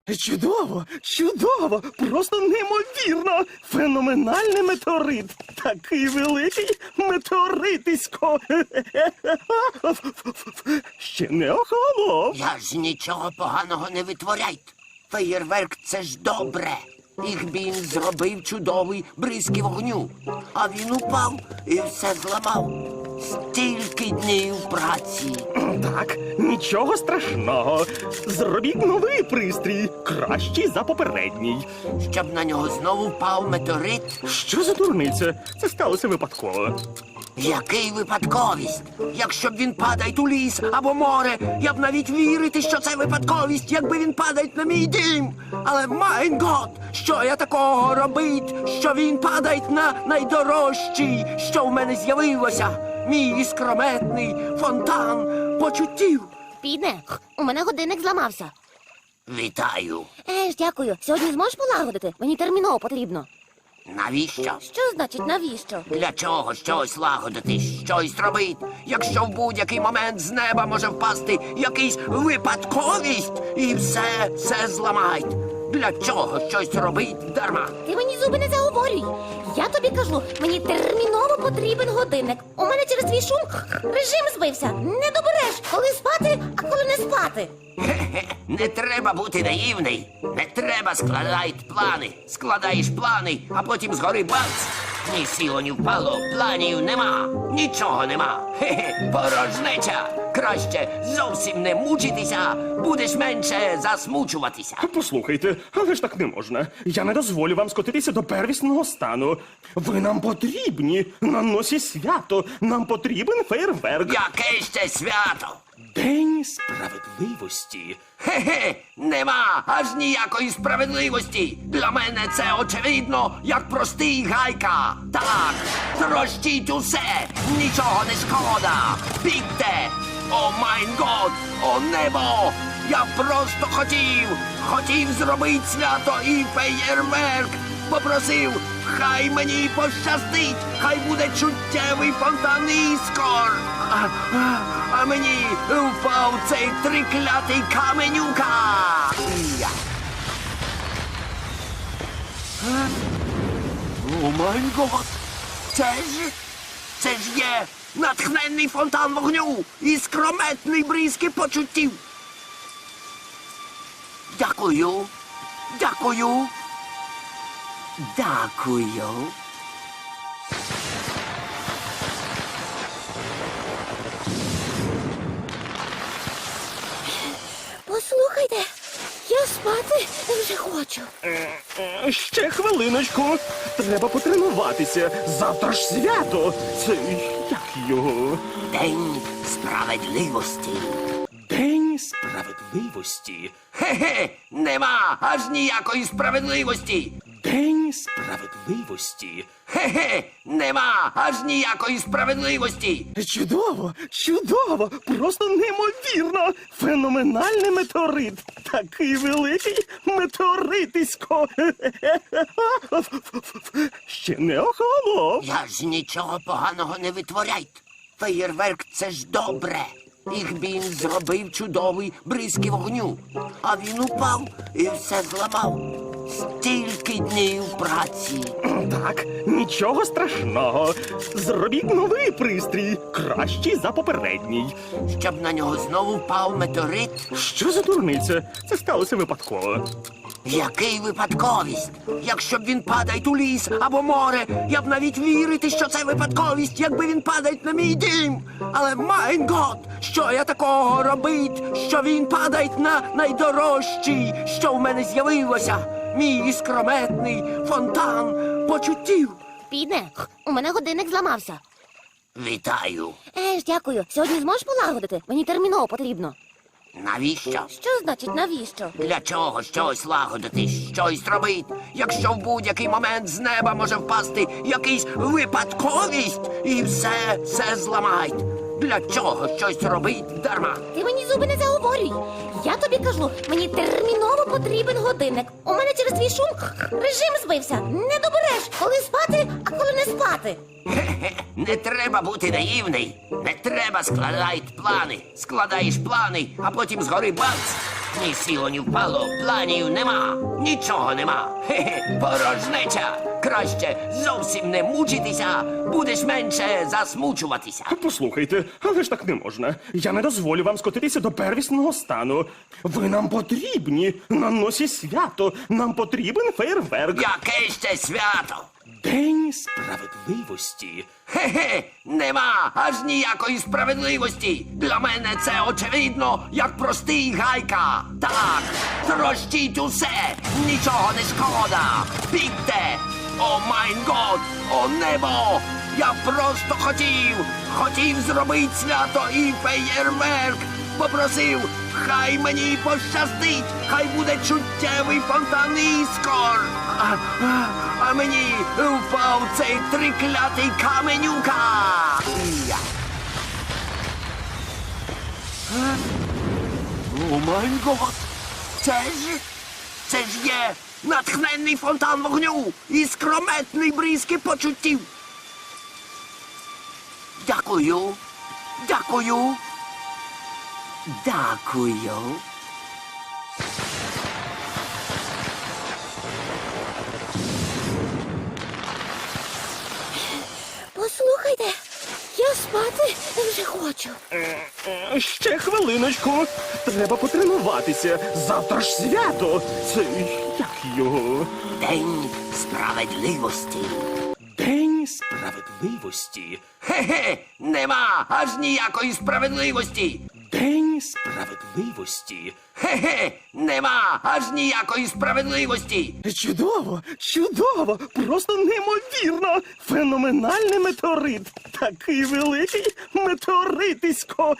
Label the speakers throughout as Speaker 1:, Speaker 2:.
Speaker 1: Чудово, чудово, просто неймовірно. Феноменальний метеорит. Такий великий метеоритисько. Ще не охолонув.
Speaker 2: Я ж нічого поганого не витворяйте. Феєрверк – це ж добре. Ігбін зробив чудовий бризки вогню. А він упав і все зламав. Стільки днів праці.
Speaker 1: Так, нічого страшного. Зробіть новий пристрій, кращий за попередній.
Speaker 2: Щоб на нього знову впав метеорит.
Speaker 1: Що за дурниця? Це сталося випадково.
Speaker 2: Який випадковість? Якщо б він падає у ліс або море, я б навіть вірити, що це випадковість, якби він падає на мій дім. Але, майн гот, що я такого робить, що він падає на найдорожчий, що в мене з'явилося? Мій іскрометний фонтан почуттів.
Speaker 3: Піде, у мене годинник зламався.
Speaker 2: Вітаю.
Speaker 3: Дякую. Сьогодні зможеш полагодити? Мені терміново потрібно.
Speaker 2: Навіщо?
Speaker 3: Що значить навіщо?
Speaker 2: Для чого щось лагодити, щось робити, якщо в будь-який момент з неба може впасти якийсь випадковість і все зламають? Для чого щось робить дарма?
Speaker 3: Ти мені зуби не заговорюй. Я тобі кажу, мені терміново потрібен годинник. У мене через твій шум режим збився. Не добереш, коли спати, а коли не спати.
Speaker 2: Хе-хе, не треба бути наївний. Не треба складати плани. Складаєш плани, а потім згори бац. Ні сіло, ні впало, планів нема. Нічого нема. Хе-хе, порожнеча. Краще зовсім не мучитися, будеш менше засмучуватися.
Speaker 1: Послухайте, але ж так не можна. Я не дозволю вам скотитися до первісного стану. Ви нам потрібні. На носі свято. Нам потрібен фейерверк.
Speaker 2: Яке ще свято?
Speaker 1: День справедливості.
Speaker 2: Хе-хе, нема аж ніякої справедливості. Для мене це очевидно, як простий гайка. Так, трощіть усе, нічого не шкода. Бігте! О майн год, о небо! Я просто хотів зробити свято і феєрверк. Попросив, хай мені пощастить, хай буде чуттєвий фонтан іскор. А мені впав цей триклятий каменюка. Я. О май гот! Це ж є натхненний фонтан вогню і скрометний бризки почуттів. Дякую. Дякую. Дякую.
Speaker 3: Послухайте, я спати вже хочу.
Speaker 1: Ще хвилиночку. Треба потренуватися. Завтра ж свято. Це як його?
Speaker 2: День справедливості.
Speaker 1: День справедливості.
Speaker 2: Хе-хе, нема аж ніякої справедливості.
Speaker 1: День справедливості.
Speaker 2: Хе-хе, нема аж ніякої справедливості.
Speaker 1: Чудово, чудово, просто неймовірно. Феноменальний метеорит. Такий великий метеоритисько. Ще не охолонув.
Speaker 2: Я ж нічого поганого не витворяйте. Феєрверк – це ж добре. Ігбін зробив чудовий бризки вогню. А він упав і все зламав. Стільки днів праці.
Speaker 1: Так, нічого страшного. Зробіть новий пристрій, кращий за попередній.
Speaker 2: Щоб на нього знову впав метеорит.
Speaker 1: Що за дурниця? Це сталося випадково.
Speaker 2: Який випадковість? Якщо б він падає у ліс або море, я б навіть вірити, що це випадковість, якби він падає на мій дім. Але, майн гот, що я такого робить, що він падає на найдорожчий, що в мене з'явилося? Мій іскрометний фонтан почуттів.
Speaker 3: Піде, у мене годинник зламався.
Speaker 2: Вітаю.
Speaker 3: Дякую. Сьогодні зможеш полагодити? Мені терміново потрібно.
Speaker 2: Навіщо?
Speaker 3: Що значить навіщо?
Speaker 2: Для чого щось лагодити, щось робити, якщо в будь-який момент з неба може впасти якийсь випадковість і все зламають? Для чого щось робить дарма?
Speaker 3: Ти мені зуби не заговорюй. Я тобі кажу, мені терміново потрібен годинник. У мене через твій шум режим збився. Не добереш, коли спати, а коли не спати.
Speaker 2: Хе-хе, не треба бути наївний. Не треба складати плани. Складаєш плани, а потім згори бац. Ні сіло, ні впало, планів нема, нічого нема. Хе-хе, порожнеча. Краще зовсім не мучитися, будеш менше засмучуватися.
Speaker 1: Послухайте, але ж так не можна. Я не дозволю вам скотитися до первісного стану. Ви нам потрібні на носі свято. Нам потрібен фейерверк.
Speaker 2: Яке ще свято?
Speaker 1: День справедливості.
Speaker 2: Хе-хе, нема аж ніякої справедливості. Для мене це очевидно, як простий гайка. Так, трощіть усе, нічого не шкода. Бігте! О майн год, о небо! Я просто хотів зробити свято і феєрверк. Попросив, хай мені пощастить, хай буде чуттєвий фонтан іскор. А мені впав цей триклятий каменюка. Я. О май гот! Це ж є натхненний фонтан вогню і скрометний бризки почуттів. Дякую. Дякую. Дякую.
Speaker 3: Послухайте, я спати вже хочу.
Speaker 1: Ще хвилиночку. Треба потренуватися. Завтра ж свято. Це як його?
Speaker 2: День справедливості.
Speaker 1: День справедливості.
Speaker 2: Хе-хе, нема аж ніякої справедливості.
Speaker 1: День справедливості.
Speaker 2: Хе-хе, нема аж ніякої справедливості.
Speaker 1: Чудово, чудово, просто неймовірно. Феноменальний метеорит. Такий великий метеоритисько.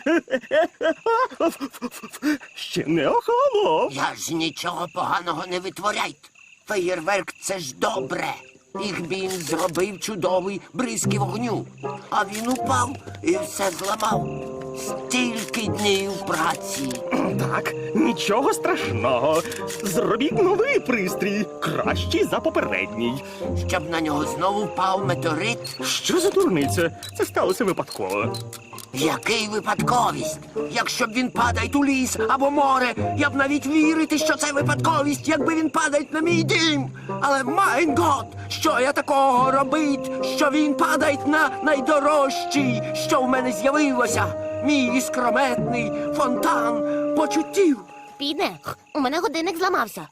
Speaker 1: Ще не охолонув.
Speaker 2: Я ж нічого поганого не витворяйте. Феєрверк — це ж добре. Їх він зробив чудовий бризки вогню. А він упав і все зламав. Стільки днів праці.
Speaker 1: Так, нічого страшного. Зробіть новий пристрій, кращий за попередній.
Speaker 2: Щоб на нього знову впав метеорит.
Speaker 1: Що за дурниця? Це сталося випадково.
Speaker 2: Який випадковість? Якщо б він падає у ліс або море, я б навіть вірити, що це випадковість, якби він падає на мій дім. Але майн гот, що я такого робить, що він падає на найдорожчий, що в мене з'явилося. Мій іскрометний фонтан почуттів.
Speaker 3: Підне, у мене годинник зламався.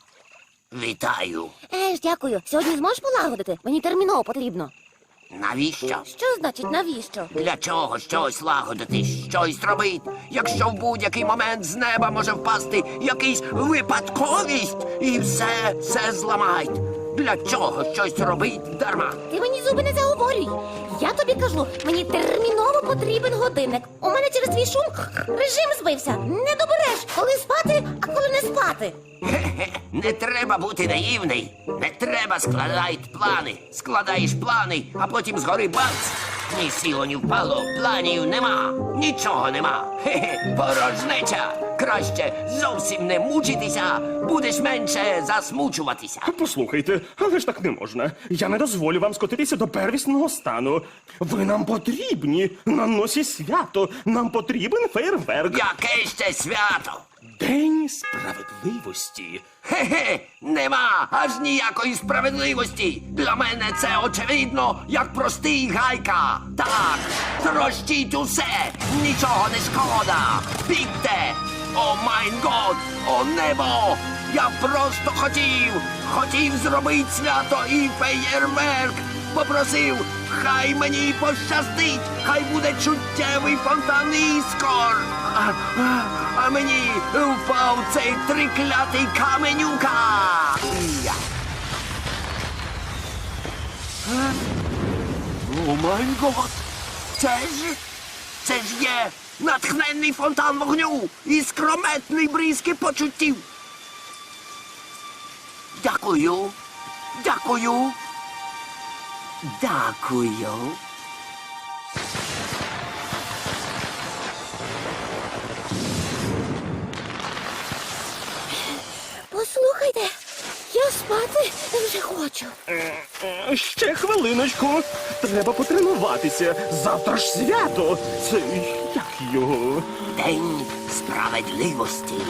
Speaker 2: Вітаю.
Speaker 3: Дякую. Сьогодні зможеш полагодити? Мені терміново потрібно.
Speaker 2: Навіщо?
Speaker 3: Що значить навіщо?
Speaker 2: Для чого щось лагодити, щось робить, якщо в будь-який момент з неба може впасти якийсь випадковість і все зламають? Для чого щось робить дарма?
Speaker 3: Ти мені зуби не заговорюй. Я тобі кажу, мені терміново потрібен годинник. У мене через твій шум режим збився. Не добереш, коли спати, а коли не спати.
Speaker 2: Хе-хе, не треба бути наївний. Не треба складати плани. Складаєш плани, а потім згори бац. Ні сіло, ні впало, планів нема, нічого нема. Хе-хе, порожнеча. Краще зовсім не мучитися, будеш менше засмучуватися.
Speaker 1: Послухайте, але ж так не можна. Я не дозволю вам скотитися до первісного стану. Ви нам потрібні на носі свято. Нам потрібен фейерверк.
Speaker 2: Яке ще свято?
Speaker 1: День справедливості.
Speaker 2: Хе-хе, нема аж ніякої справедливості. Для мене це очевидно, як простий гайка. Так, трощіть усе, нічого не шкода. Бігте! О майн год, о небо! Я просто хотів зробити свято і феєрверк. Попросив, хай мені пощастить, хай буде чуттєвий фонтан іскор. А мені впав цей триклятий каменюка. Я. О май гот! Це ж є натхненний фонтан вогню і скрометний бризки почуттів. Дякую. Дякую. Дякую.
Speaker 3: Послухайте, я спати вже хочу.
Speaker 1: Ще хвилиночку. Треба потренуватися. Завтра ж свято. Це як його?
Speaker 2: День справедливості.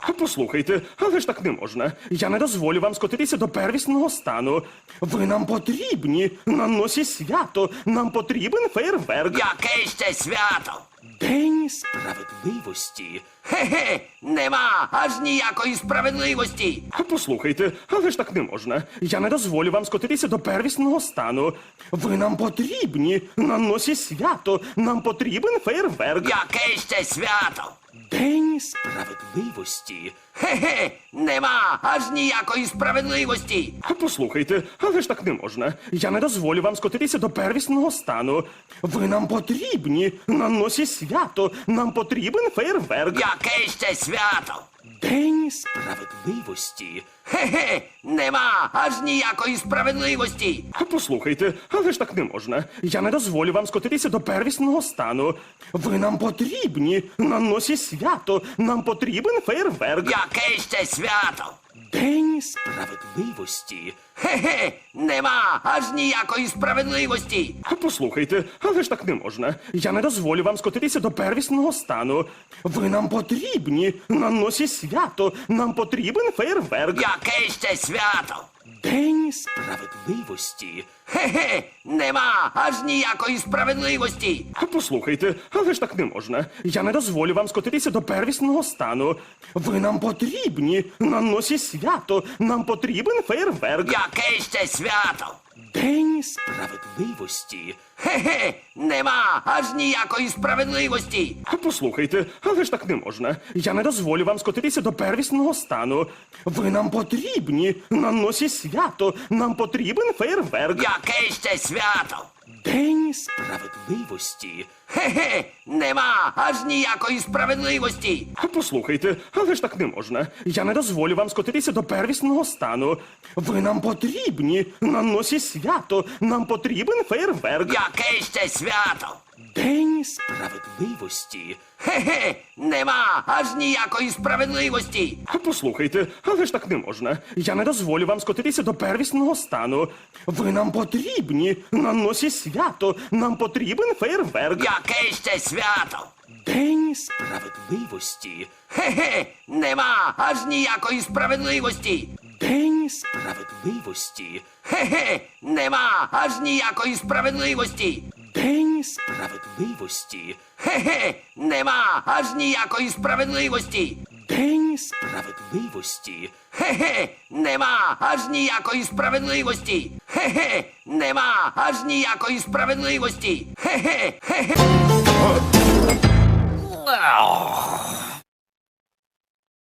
Speaker 1: Послухайте, але ж так не можна. Я не дозволю вам скотитися до первісного стану. Ви нам потрібні на носі свято. Нам потрібен фейерверк.
Speaker 2: Яке ще свято?
Speaker 1: День
Speaker 2: Справедливості? Хе-хе, нема аж ніякої справедливості.
Speaker 1: Послухайте, але ж так не можна. Я не дозволю вам скотитися до первісного стану. Ви нам потрібні на носі свято. Нам потрібен фейерверк.
Speaker 2: Яке ще свято?
Speaker 1: День
Speaker 2: Справедливості? Хе-хе, нема аж ніякої справедливості.
Speaker 1: Послухайте, але ж так не можна. Я не дозволю вам скотитися до первісного стану. Ви нам потрібні на носі свято. Нам потрібен фейерверк.
Speaker 2: Яке ще свято?
Speaker 1: День
Speaker 2: Справедливості? Хе-хе, нема аж ніякої справедливості.
Speaker 1: Послухайте, але ж так не можна. Я не дозволю вам скотитися до первісного стану. Ви нам потрібні на носі свято. Нам потрібен фейерверк.
Speaker 2: Яке ще свято?
Speaker 1: День
Speaker 2: Справедливості? Хе-хе, нема аж ніякої справедливості.
Speaker 1: Послухайте, але ж так не можна. Я не дозволю вам скотитися до первісного стану. Ви нам потрібні на носі свято. Нам потрібен фейерверк.
Speaker 2: Яке ще свято?
Speaker 1: День
Speaker 2: Справедливості? Хе-хе, нема аж ніякої справедливості.
Speaker 1: Послухайте, але ж так не можна. Я не дозволю вам скотитися до первісного стану. Ви нам потрібні на носі свято. Нам потрібен фейерверк.
Speaker 2: Яке ще свято?
Speaker 1: День
Speaker 2: Справедливості? Хе-хе, нема аж ніякої справедливості.
Speaker 1: Послухайте, але ж так не можна. Я не дозволю вам скотитися до первісного стану. Ви нам потрібні на носі свято. Нам потрібен фейерверк.
Speaker 2: Яке ще свято?
Speaker 1: День
Speaker 2: Справедливості? Хе-хе, нема аж ніякої справедливості.
Speaker 1: Послухайте, але ж так не можна. Я не дозволю вам скотитися до первісного стану. Ви нам потрібні на носі свято. Нам потрібен фейерверк.
Speaker 2: Яке ще свято?
Speaker 1: День
Speaker 2: Справедливості? Хе-хе, нема аж ніякої справедливості.
Speaker 1: Послухайте, але ж так не можна. Я не дозволю вам скотитися до первісного стану. Ви нам потрібні на носі свято. Нам потрібен фейерверк.
Speaker 2: Яке ще свято?
Speaker 1: День
Speaker 2: Справедливості? Хе-хе, нема аж ніякої справедливості.
Speaker 1: День
Speaker 2: Справедливості? Хе-хе, нема аж ніякої справедливості.
Speaker 1: День
Speaker 2: Справедливості? Хе-хе, нема аж ніякої справедливості.
Speaker 1: День
Speaker 2: Справедливості? Хе-хе, нема аж ніякої справедливості. Хе-хе, нема аж ніякої справедливості. Хе-хе, хе-хе.